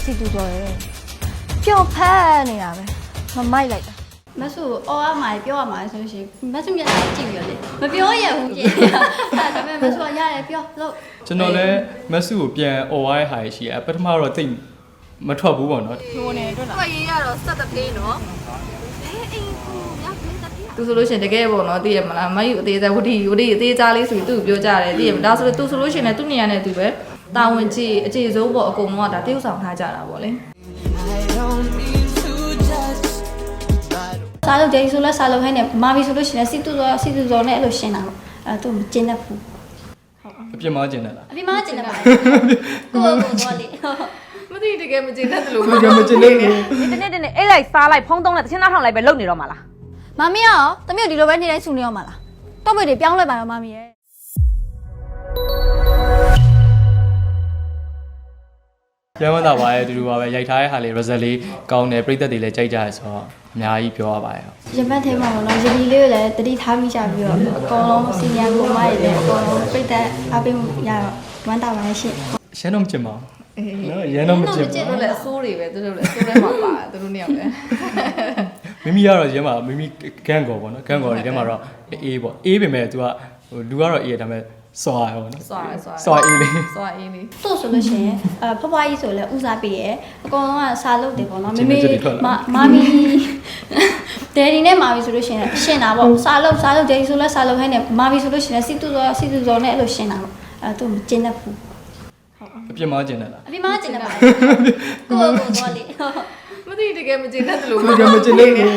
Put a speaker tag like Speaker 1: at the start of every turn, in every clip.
Speaker 1: စီတူတော်ရဲ့ပျော်ဖက်နေတာပဲမမိုက်လိုက်တာ
Speaker 2: မဆူအော်အမိုင်ပြောရမှာဆိုလို့ရှိရင်မဆူမျက်နှာကြည့်ပြီးတော့လေမပြောရဘူးပြင်အဲ့ဒါပေမဲ့မဆူကရတယ်ပြောလို့
Speaker 3: ကျွန်တော်လည်းမက်ဆုကိုပြန်អော်ဝိုင်းဟာရှိရပထမတော့တိတ်မထွက်ဘူးပေါ့နော်
Speaker 1: ဟိုနေအတွက်လား
Speaker 2: တွေ့ရတော့စက်တပြေးနော်အေးဟိုရပြင်းတပြေး
Speaker 4: သူဆိုလို့ရှိရင်တကယ်ပေါ့နော်သိရမလားမယူအသေးစားဝတီအသေးစားလေးဆိုပြီးသူ့ကိုပြောကြတယ်သိရမလားဒါဆိုလို့သူဆိုလို့ရှိရင်လည်းသူ့နေရာနဲ့သူပဲတာဝန်ကြီးအခြေစိုးပေါ့အကုန်လုံးကဒါတရုပ်ဆောင်ထားကြတာပေါ့လေ
Speaker 2: စားလို့ဒေးဆိုလဲစားလို့ဟဲ့နဲ့မာမီဆိုလို့ရှိရင်စီတူစောနဲ့အဲ့လိုရှင်းတာပေါ့အဲ့သူမကျင်းတတ်ဘူး
Speaker 3: အပြစ်မကျင်တယ်လား
Speaker 2: အပြင်မှာကျင်းတတ်ပါကိုတော့လေ
Speaker 4: မသိတကယ်မကျင်တတ်တယ်လို့
Speaker 3: မကျင်မကျင်လို့
Speaker 1: ဒီတနေ့အိတ်လိုက်စားလိုက်ဖုံးသုံးလိုက်တချင်းသားထောင်လိုက်ပဲလုပ်နေတော့မှာလား
Speaker 2: မမီရောတမီးဒီလိုပဲနေတိုင်းဆူနေရမှာလားတော့ပဲတွေပြောင်းလဲပါတော့မမီရဲ့
Speaker 3: ပြန်မသာပါရဲ့တူတူပါပဲရိုက်ထားတဲ့ဟာလေး result လေးကောင်းတယ်ပြိသက်တွေလည်းကြိုက်ကြရဆိုတော့အများကြီးပြောရပါရဲ့
Speaker 2: ရပတ်ထဲမှာပေါ့နော်ရဒီလေးကိုလည်းတတိထားမိကြပြီးတော့အကုန်လုံးစီနီယာကိုမရည်လည်းအကုန်လုံးပြိသက်အပိရတော့ဝမ်းတာပါရဲ့ရှင့်
Speaker 3: ရှင်းတော့မကျင်ပါဘူးနော်ရန်တော့မကျင်
Speaker 4: သူတို့လည်းအဆိုးတွေပဲသူတို့လည်းအဆိုးထဲမှာပါတယ်သူတို့နှစ်ယောက်လည်း
Speaker 3: မိမိကတော့ရင်းမှာမိမိကန့်ကော်ပေါ့နော်ကန့်ကော်တွေထဲမှာတော့အေးပေါ့အေးပေမဲ့ तू ကဟိုလူကတော့အေးရဒါပေမဲ့စွာရပေါ့နော်
Speaker 4: စွာအေးလေး
Speaker 2: သူ့ဆိုလို့ရှိရင်ဖွားဖွားကြီးဆိုလည်းဦးစားပေးရဲ့အကုန်လုံးကစားလုပ်တယ်ပေါ့နော်မမီဒယ်ဒီနဲ့မာမီဆိုလို့ရှိရင်ရှင်းတာပေါ့စားလုပ်ဒယ်ဒီဆိုလည်းစားလုပ်ဟဲ့နဲ့မာမီဆိုလို့ရှိရင်စီတူစောနဲ့အဲ့လိုရှင်းတာပေါ့အဲ့သူမကျင်းတတ်ဘူး
Speaker 3: အပြစ်မကျင်တယ်လား
Speaker 2: အပြင်မှာကျင်းတတ်ပါတယ်ကိုတော့လေ
Speaker 4: မသိတကယ်မကျင်တတ်တယ်လို့
Speaker 3: မကျင်မကျင်လို့
Speaker 2: ဘူး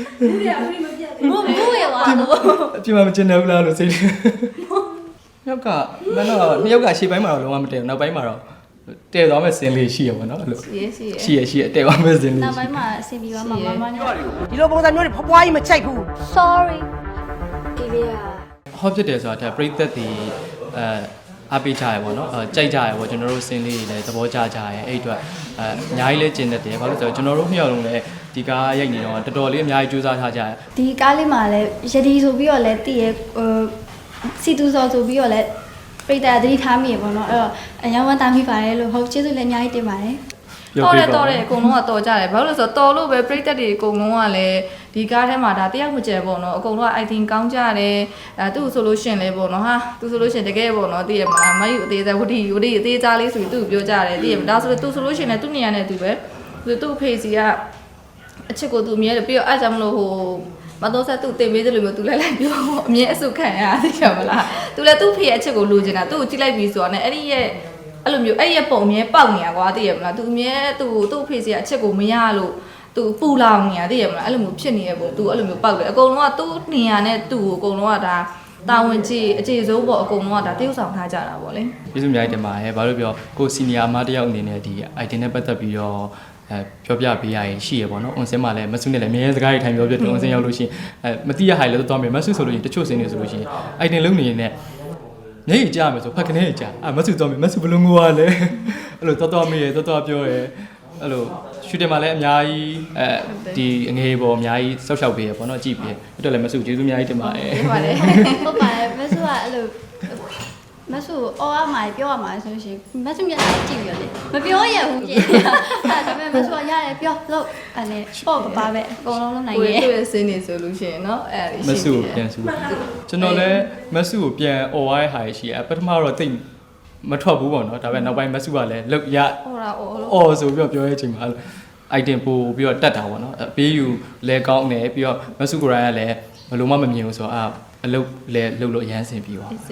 Speaker 2: ရပါတော့
Speaker 3: အပြစ်မကျင်တယ်ဘူးလားလို့စိတ်နောက်ကမင်းတော့နှစ်ယောက်ကရှေ့ပိုင်းမှာတော့လုံးဝမတည့်ဘူးနောက်ပိုင်းမှာတော့တည့်သွားမဲ့စင်လေးရှိရပါတော့အဲ့လိုရှိရတည့်သွားမဲ့စင်လေး
Speaker 2: နောက်ပိုင်းမှာအဆင်ပြေသွားမှာမမည
Speaker 1: ဒီလိုပုံစံမျိုးတွေဖွားကြီးမချိုက်ဘူး
Speaker 2: sorry ဒီလေးက
Speaker 3: ဟောဖြစ်တယ်ဆိုတာဒါပြိသက်တွေအားပေးကြရပေါ့နော်ကြိုက်ကြရပေါ့ကျွန်တော်တို့စင်လေးတွေလည်းသဘောကျကြရအဲ့အတွက်အများကြီးလည်းကျင်တတ်တယ်ဘာလို့လဲဆိုတော့ကျွန်တော်တို့နှစ်ယောက်လုံးလည်းဒီကားရိုက်နေတော့တော်တော်လေးအများကြီးကြိုးစားထားကြရ
Speaker 2: ဒီကားလေးမှာလည်းရဒီဆိုပြီးတော့လည်းတည်ရစီတူစောဆိုပြီးတော့လည်းပြိတ္တာသတိထားမိရပေါ့နော်အဲ့တော့အယောင်ဝမ်းတာမိပါတယ်လို့ဟုတ်ကျေးဇူးလည်းအများကြီးတင်ပါတယ်
Speaker 4: တော်တယ်အကုန်လုံးကတော်ကြတယ်ဘာလို့လဲဆိုတော့တော်လို့ပဲပြိတက်တွေအကုန်လုံးကလည်းဒီကားထဲမှာဒါတယောက်မကျဲပေါ့နော်အကုန်လုံးက item ကောင်းကြတယ်သူ့ဆိုလို့ရှင်လဲပေါ့နော်ဟာသူဆိုလို့ရှင်တကယ်ပေါ့နော်သိရမလားမယူအသေးစားဝတီအသေးစားလေးဆိုပြီးသူ့ကိုပြောကြတယ်သိရမလားဒါဆိုလို့သူဆိုလို့ရှင်လဲသူ့နေရာနဲ့သူပဲသူ့ဖေးစီကအချစ်ကိုသူအမြဲပြီးတော့အဲ့ကြောင့်မလို့ဟိုမတော်ဆက်သူ့တင်ပေးတယ်လို့မျိုးသူလည်းလိုက်ပြောအမြဲအဆုခံရသိရမလားသူလည်းသူ့ဖေးရဲ့အချစ်ကိုလိုချင်တာသူ့ကိုကြည့်လိုက်ပြီးဆိုတော့ねအဲ့ဒီရဲ့အဲ့လိုမျိုးအဲ့ရပုံအမြဲပေါက်နေရကွာသိရမလားသူအမြဲသူ့ဖေးစီကအချက်ကိုမရလို့သူပူလောင်နေရသိရမလားအဲ့လိုမျိုးဖြစ်နေရပုံသူအဲ့လိုမျိုးပေါက်တယ်အကုန်လုံးကသူ့နေရာနဲ့သူ့ကိုအကုန်လုံးကဒါတာဝန်ကြီးအခြေစိုးပေါ့အကုန်လုံးကဒါတရုပ်ဆောင်ထားကြတာပေါ့လေ
Speaker 3: ကျေးဇူးအများကြီးတင်ပါတယ်ဘာလို့ပြောကိုစီနီယာမတယောက်အနေနဲ့ဒီ item နဲ့ပတ်သက်ပြီးတော့ပြောပြပေးရရင်ရှိရပေါ့နော်။ on စင်းမှာလည်းမဆုနဲ့လည်းအများကြီးစကားတွေထိုင်ပြောပြတယ် on စင်းရောက်လို့ရှိရင်မသိရဟိုင်လည်းသွားမယ်မဆုဆိုလို့ရှိရင်တချို့စင်းတွေဆိုလို့ရှိရင် item လုံးနေရင်လည်းမျက်ရည်ကျမယ်ဆိုဖက်ကနေကြာမဆုသွားမယ်မဆုဘလုံးငိုရလဲအဲ့လိုတော်မေးရတော်ပြောရအဲ့လိုရှူတင်မှာလည်းအများကြီးဒီအငယ်ပေါ်အများကြီးဆောက်ရှောက်ပေးရပေါ့နော်ကြည့်ပေးအဲ့တော့လည်းမဆုကျေးဇူးအများကြီးတင်ပါတယ်
Speaker 2: ဟုတ်ပါတယ်ဟုတ်ပါတယ်မဆူကအဲ့လိုမဆူအော်အမိုင်ပြောရမှာဆိုလို့ရှိရင်မဆူမျက်နှာကြည့်ပြီးတော့လေမပြောရဘူးပြင်အဲ့ဒါပေမဲ့မဆူကရတယ်ပြောလို့အဲ့လေပေါ့ပါပဲအကုန်လုံးလုံးနိုင်ရဲ့
Speaker 4: သူ့ရဲ့စင်းနေဆိုလို့ရှိရင်เนาะအဲ့ဒါ
Speaker 3: မဆုကိုပြန်ဆုကျွန်တော်လည်းမဆုကိုပြန်អော်ဝိုင်းဟာရှိရပထမတော့တိတ်မထွက်ဘူးပေါ့နော်ဒါပေမဲ့နောက်ပိုင်းမဆုကလည်းလုတ်ရ အော်ဆိုပြီးတော့ပြောရဲချိန်မှာ item ပို့ပြီးတော့တက်တာပေါ့နော်အပေးယူလဲကောင်းတယ်ပြီးတော့မဆုကိုရိုင်းကလည်းဘယ်လိုမှမမြင်ဘူးဆိုတော့အလုပ်လဲလုပ်လို့အရန်ဆင်ပြီးသွား
Speaker 4: ဟို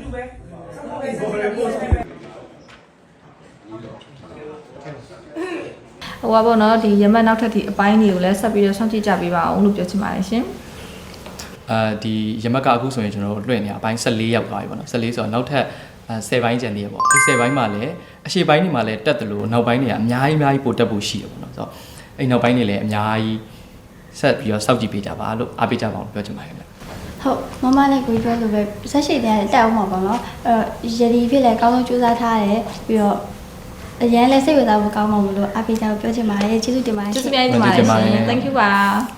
Speaker 4: ပါပေါ့နော်ဒီရမတ်နောက်ထပ်ဒီအပိုင်းတွေကိုလည်းဆက်ပြီးတော့စောင့်ကြည့်ကြပေးပါအောင်လို့ပြောချင်ပါတယ်ရှင်
Speaker 3: ဒီရမက်ကအခုဆိုရင်ကျွန်တော်တို့လွှင့်နေအပိုင်း14ရောက်သွားပြီပေါ့နော်14ဆိုတော့နောက်ထပ်10ပိုင်းကျန်သေးရပေါ့ဒီ10ပိုင်းမှာလည်းအရှေ့ပိုင်းတွေမှာလည်းတက်တယ်လို့နောက်ပိုင်းတွေကအများကြီးပိုတက်ဖို့ရှိတယ်ပေါ့နော်ဆိုတော့အဲ့နောက်ပိုင်းတွေလည်းအများကြီးဆက်ပြီးတော့စောင့်ကြည့်ပေးကြပါလို့အားပေးကြပါအောင်ပြောချင်ပါတယ်ခင်ဗျ
Speaker 2: ဟုတ်မမလည်းကိုပြောလို့ပဲဆက်ရှိတဲ့တက်အောင်မှာပေါ့နော်ရဒီဖြစ်လဲအကောင်းဆုံးစူးစမ်းထားတယ်ပြီးတော့အရင်လဲစိတ်ဝင်စားဖို့ကောင်းမှာမလို့အားပေးကြလို့ပြောချင်ပါတယ်ကျေးဇူးတင်ပါတယ်
Speaker 4: ကျေးဇူးများတင်ပါတယ်ရှင် thank you ပါ